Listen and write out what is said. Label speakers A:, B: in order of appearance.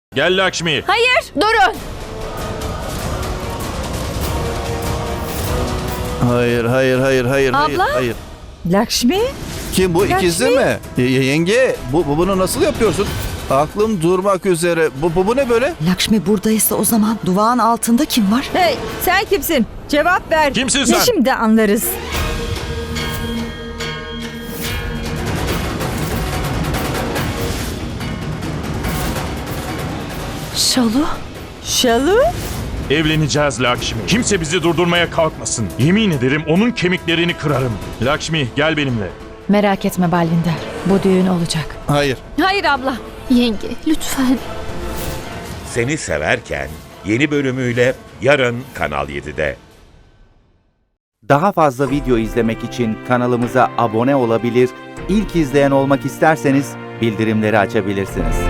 A: Gel Lakshmi.
B: Hayır, durun.
C: Hayır, hayır, hayır, hayır, hayır,
B: Abla?
C: hayır.
D: Lakshmi?
C: Kim bu, ikizi
D: Lakshmi?
C: mi? Yenge, bunu nasıl yapıyorsun? Aklım durmak üzere. Bu ne böyle?
D: Lakshmi buradaysa o zaman duvağın altında kim var? Hey, sen kimsin? Cevap ver.
A: Kimsin sen?
D: Şimdi anlarız.
B: Şalu?
D: Şalu?
A: Evleneceğiz Lakshmi. Kimse bizi durdurmaya kalkmasın. Yemin ederim onun kemiklerini kırarım. Lakshmi gel benimle.
B: Merak etme Balvinder. Bu düğün olacak.
C: Hayır.
B: Hayır abla. Yenge, lütfen.
E: Seni Severken yeni bölümüyle yarın Kanal 7'de.
F: Daha fazla video izlemek için kanalımıza abone olabilir, ilk izleyen olmak isterseniz bildirimleri açabilirsiniz.